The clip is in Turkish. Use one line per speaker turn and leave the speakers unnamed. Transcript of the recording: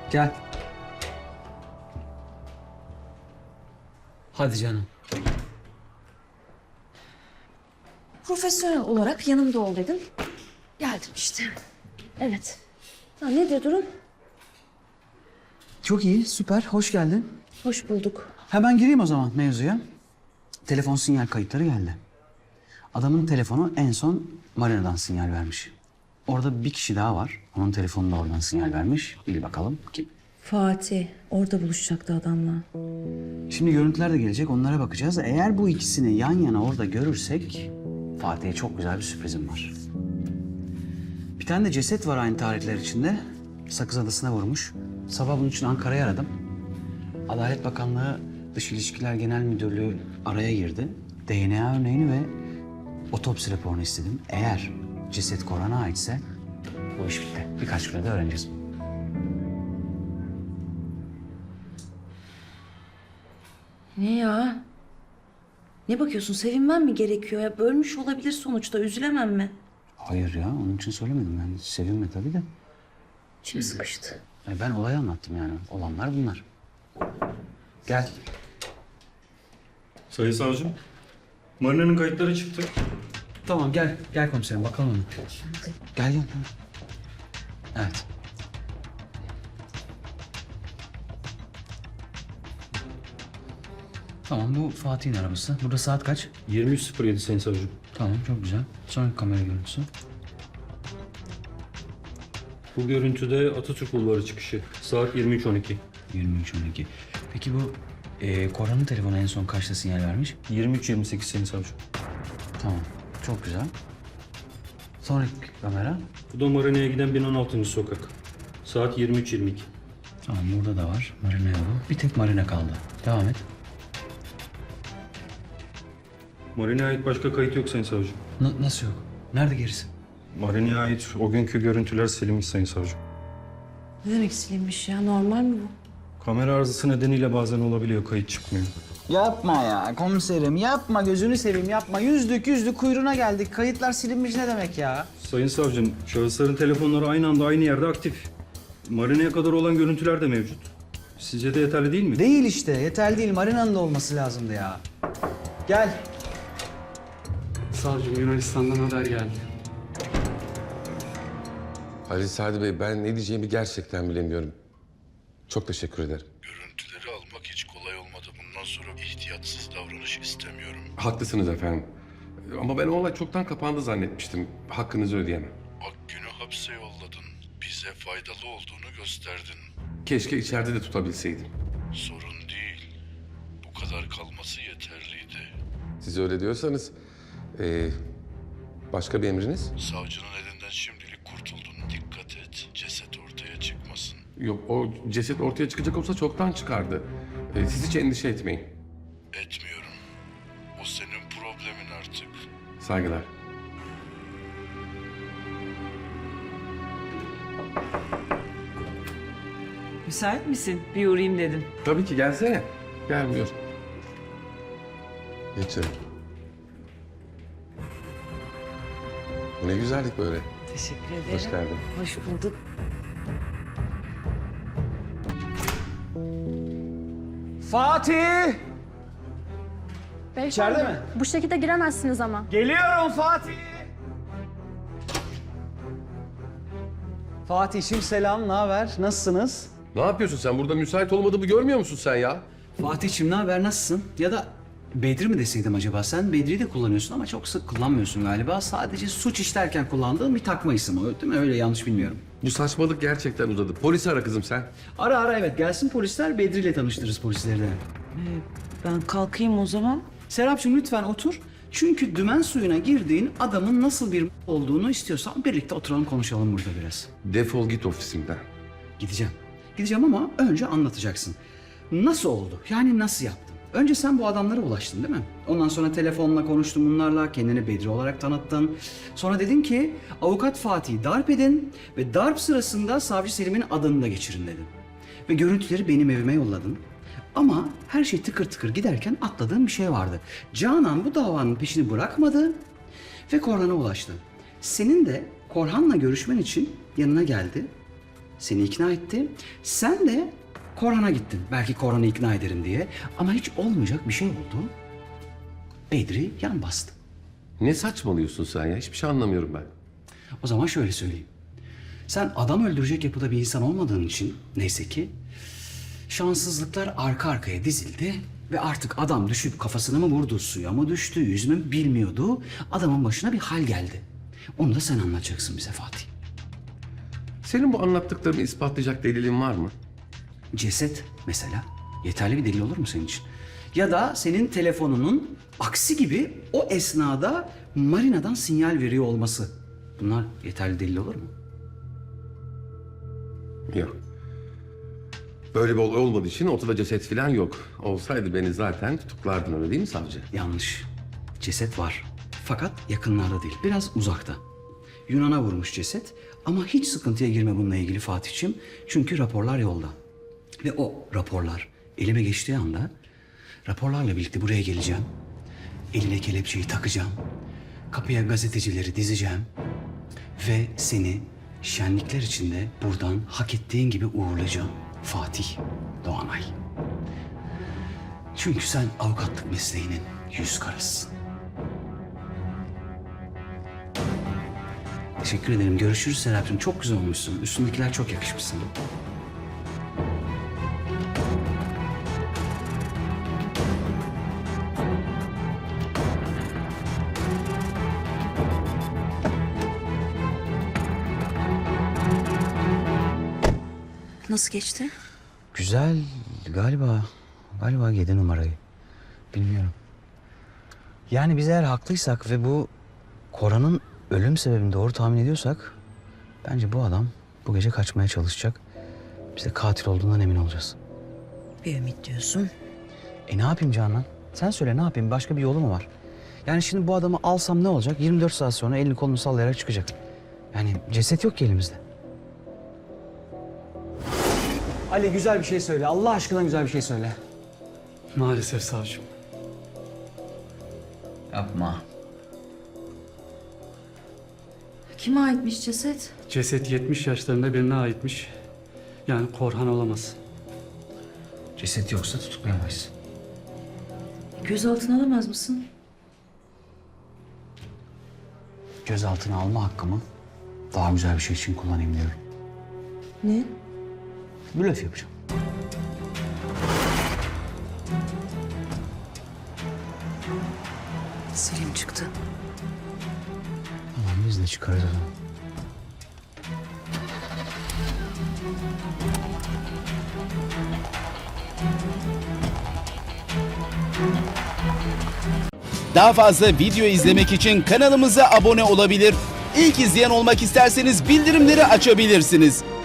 Gel. Hadi canım.
Profesyonel olarak yanımda ol dedim. Geldim işte. Evet. Ha, nedir durum?
Çok iyi, süper. Hoş geldin.
Hoş bulduk.
Hemen gireyim o zaman mevzuya. Telefon sinyal kayıtları geldi. Adamın telefonu en son Marina'dan sinyal vermiş. Orada bir kişi daha var. Onun telefonu da oradan sinyal vermiş. Bil bakalım kim?
Fatih. Orada buluşacaktı adamla.
Şimdi görüntüler de gelecek. Onlara bakacağız. Eğer bu ikisini yan yana orada görürsek Fatih'e çok güzel bir sürprizim var. Bir tane de ceset var aynı tarihler içinde. Sakız Adası'na vurmuş. Sabah bunun için Ankara'yı aradım. Adalet Bakanlığı Dış İlişkiler Genel Müdürlüğü araya girdi. DNA örneğini ve otopsi raporunu istedim. Eğer ceset Korhan'a aitse bu iş bitti. Birkaç günde de öğreneceğiz.
Ne ya? Ne bakıyorsun? Sevinmem mi gerekiyor ya? Bölmüş olabilir sonuçta. Üzülemem mi?
Hayır ya, onun için söylemedim. Ben sevinme tabii de.
İçim sıkıştı.
Ben olayı anlattım yani. Olanlar bunlar. Gel.
Sayın savcım, Marina'nın kayıtları çıktı.
Tamam gel. Gel komiserim bakalım onu. Gel gel. Evet. Tamam bu Fatih'in arabası. Burada saat kaç?
23.07 sayın savcım.
Tamam çok güzel. Sonraki kamera görüntüsü.
Bu görüntüde Atatürk Bulvarı çıkışı. Saat 23.12.
23.12. Peki bu Korhan'ın telefonu en son kaçta sinyal vermiş?
23.28 sayın savcım.
Tamam. Çok güzel. Sonraki kamera.
Bu da Marina'ya giden 1016. sokak. Saat 23.22.
Tamam burada da var. Marina yolu. Bir tek Marina kaldı. Devam et.
Marina'ya ait başka kayıt yok sayın savcım.
Nasıl yok? Nerede gerisi?
Marina'ya ait o günkü görüntüler silinmiş sayın savcım.
Ne demek silinmiş ya? Normal mi bu?
Kamera arızası nedeniyle bazen olabiliyor, kayıt çıkmıyor.
Yapma ya komiserim yapma gözünü seveyim yapma. Yüzdük kuyruğuna geldik. Kayıtlar silinmiş ne demek ya?
Sayın savcım, şahısların telefonları aynı anda aynı yerde aktif. Marina'ya kadar olan görüntüler de mevcut. Sizce de yeterli değil mi?
Değil işte yeterli değil. Marina'nın da olması lazımdı ya. Gel.
Savcım Yunanistan'dan haber geldi.
Halil Sadi Bey, ben ne diyeceğimi gerçekten bilemiyorum. Çok teşekkür ederim.
Görüntüleri almak hiç kolay olmadı. Bundan sonra ihtiyatsız davranış istemiyorum.
Haklısınız efendim. Ama ben o olay çoktan kapandı zannetmiştim. Hakkınızı ödeyemem.
Akgün'ü hapse yolladın. Bize faydalı olduğunu gösterdin.
Keşke içeride de tutabilseydim.
Sorun değil. Bu kadar kalması yeterliydi.
Siz öyle diyorsanız... başka bir emriniz?
Savcının elinden şimdilik kurtuldun. Dikkat et. Ceset ortaya çıkmasın.
Yok, o ceset ortaya çıkacak olsa çoktan çıkardı. Siz hiç endişe etmeyin.
Etmiyorum. O senin problemin artık.
Saygılar.
Müsait misin? Bir uğrayayım dedim.
Tabii ki, gelsene. Gelmiyor. Geçelim. Bu ne güzellik böyle.
Teşekkür ederim.
Hoş geldin.
Hoş bulduk.
Fatih!
Beyefendi,
İçeride mi?
bu şekilde giremezsiniz ama.
Geliyorum Fatih! Fatih'im selam, ne haber? Nasılsınız?
Ne yapıyorsun sen? Burada müsait olmadığımı görmüyor musun sen ya?
Fatih'im ne haber, nasılsın? Ya da Bedri mi deseydim acaba? Sen Bedri'yi de kullanıyorsun ama çok sık kullanmıyorsun galiba. Sadece suç işlerken kullandığın bir takma isim o, değil mi? Öyle yanlış bilmiyorum.
Bu saçmalık gerçekten uzadı. Polisi ara kızım sen.
Ara evet, gelsin polisler, Bedri'yle tanıştırırız polisleri de.
Ben kalkayım o zaman.
Serapcığım lütfen otur. Çünkü dümen suyuna girdiğin adamın nasıl bir olduğunu istiyorsan birlikte oturalım konuşalım burada biraz.
Defol git ofisimden.
Gideceğim. Gideceğim ama önce anlatacaksın. Nasıl oldu? Yani nasıl yaptın? Önce sen bu adamlara ulaştın değil mi? Ondan sonra telefonla konuştun bunlarla, kendini Bedri olarak tanıttın. Sonra dedin ki avukat Fatih'i darp edin ve darp sırasında savcı Selim'in adını da geçirin dedin. Ve görüntüleri benim evime yolladın. Ama her şey tıkır tıkır giderken atladığın bir şey vardı. Canan bu davanın peşini bırakmadı ve Korhan'a ulaştı. Senin de Korhan'la görüşmen için yanına geldi seni ikna etti. Sen de Korhan'a gittin. Belki Korhan'ı ikna ederim diye. Ama hiç olmayacak bir şey oldu. Bedri yan bastı.
Ne saçmalıyorsun sen ya? Hiçbir şey anlamıyorum ben.
O zaman şöyle söyleyeyim. Sen adam öldürecek yapıda bir insan olmadığın için neyse ki şanssızlıklar arka arkaya dizildi ve artık adam düşüp kafasına mı vurdu, suya mı düştü, yüzme mi bilmiyordu. Adamın başına bir hal geldi. Onu da sen anlatacaksın bize Fatih.
Senin bu anlattıklarını ispatlayacak delilin var mı?
Ceset mesela yeterli bir delil olur mu senin için? Ya da senin telefonunun aksi gibi o esnada marinadan sinyal veriyor olması. Bunlar yeterli delil olur mu?
Yok. Böyle bir olay olmadığı için ortada ceset falan yok. Olsaydı beni zaten tutuklardın, öyle değil mi savcı?
Yanlış. Ceset var. Fakat yakınlarda değil. Biraz uzakta. Yunan'a vurmuş ceset. Ama hiç sıkıntıya girme bununla ilgili Fatih'ciğim. Çünkü raporlar yolda. Ve o raporlar elime geçtiği anda raporlarla birlikte buraya geleceğim. Eline kelepçeyi takacağım. Kapıya gazetecileri dizeceğim. Ve seni şenlikler içinde buradan hak ettiğin gibi uğurlayacağım. Fatih Doğanay. Çünkü sen avukatlık mesleğinin yüz karasısın. Teşekkür ederim. Görüşürüz Serapcığım. Çok güzel olmuşsun. Üstündekiler çok yakışmış sana.
Nasıl geçti?
Güzel. Galiba 7 numarayı. Bilmiyorum. Yani biz eğer haklıysak ve bu Korhan'ın ölüm sebebini doğru tahmin ediyorsak bence bu adam bu gece kaçmaya çalışacak. Biz de katil olduğundan emin olacağız.
Bir ümit diyorsun.
Ne yapayım Canan? Sen söyle ne yapayım? Başka bir yolu mu var? Yani şimdi bu adamı alsam ne olacak? 24 saat sonra elini kolunu sallayarak çıkacak. Yani ceset yok ki elimizde. Ali güzel bir şey söyle. Allah aşkına güzel bir şey söyle.
Maalesef savcım.
Yapma.
Kime aitmiş ceset?
Ceset 70 yaşlarında birine aitmiş. Yani Korhan olamaz.
Ceset yoksa tutuklayamayız.
Gözaltına alamaz mısın?
Gözaltına alma hakkımı daha güzel bir şey için kullanayım diyorum.
Ne?
Blöf yapacağım.
Selim çıktı.
Tamam biz de çıkarız o zaman.
Daha fazla video izlemek için kanalımıza abone olabilir. İlk izleyen olmak isterseniz bildirimleri açabilirsiniz.